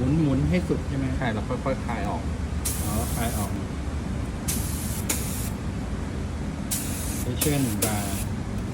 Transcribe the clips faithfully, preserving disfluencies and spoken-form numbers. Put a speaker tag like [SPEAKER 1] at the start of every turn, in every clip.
[SPEAKER 1] มุนหมุนให้สุดใช่ไหม
[SPEAKER 2] ใช่แล้วค่อยๆคลายออก
[SPEAKER 1] อ๋อคลายออกไปเชื่อหนึ่งบาร์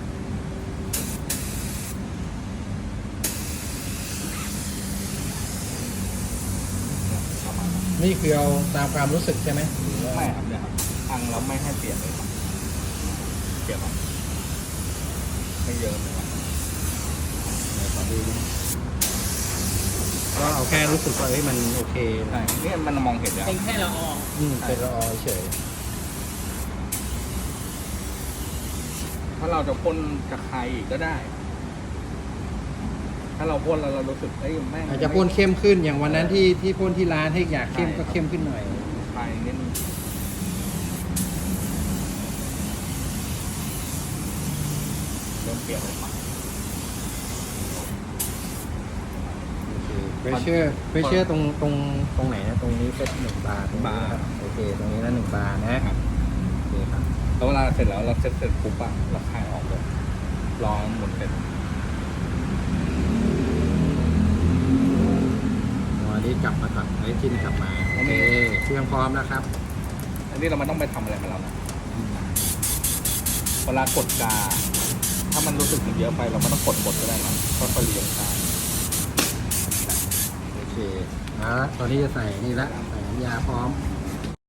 [SPEAKER 2] ประมาณนั้น
[SPEAKER 1] นี่คือเอาตามความรู้สึกใช่ไหมหรือว่า
[SPEAKER 2] ไม่ครับเนี่ยครับอังแล้วไม่ให้เปลี่ยนเลยครับเปลี่ยนครับไม่เยอะเลยครับ
[SPEAKER 1] ไหนขอดูดิก็เอาแค่รู้สึกว่าเฮ้ยมันโอเค
[SPEAKER 2] ใช่เนี่ยมันมองเห็นแล้ว
[SPEAKER 3] เป็นแค่ละออง
[SPEAKER 1] อืมเป็นละออเฉย
[SPEAKER 2] ถ้าเราจะพ่นกับใครอีกก็ได้ ถ้าเราพ่นแล้วเรารู้สึกเอ้ยแม่ง
[SPEAKER 1] อาจจะพ่นเข้มขึ้นอย่างวันนั้นที่ที่พ่นที่ร้านให้อยากเข้มก็เข้มขึ้นหน่อย
[SPEAKER 2] คลายนิดนึงเริ่มเปลี่ยนเลยครับ
[SPEAKER 1] เพรสเชอร์เพรสเชอร์ตรงตรงตรงไหนนะตรงนี้เป็นหนึ่งบาร์ตรงนี้นะครับโอเคตรงนี้นะหนึ่งบาร์นะโอเคครับ
[SPEAKER 2] แล้วเวลาเสร็จแล้วเราเสร็จเสร็จปุ๊บอะเราคลายออกเลยรอหมุนเป็น
[SPEAKER 1] วันนี้กลับมาก่อนไอ้จิ้นกลับมาโอเคเครื่องพร้อมแล้วครับ
[SPEAKER 2] อันนี้เราไม่ต้องไปทำอะไรมาแล้วนะเวลากดกา ถ้ามันรู้สึกมันเยอะไปเราไม่ต้องกดหมดก็ได้นะค่อยๆเรียงกา
[SPEAKER 1] โอเคเอาละตอนนี้จะใส่นี่ละใส่น้ำยาพร้อม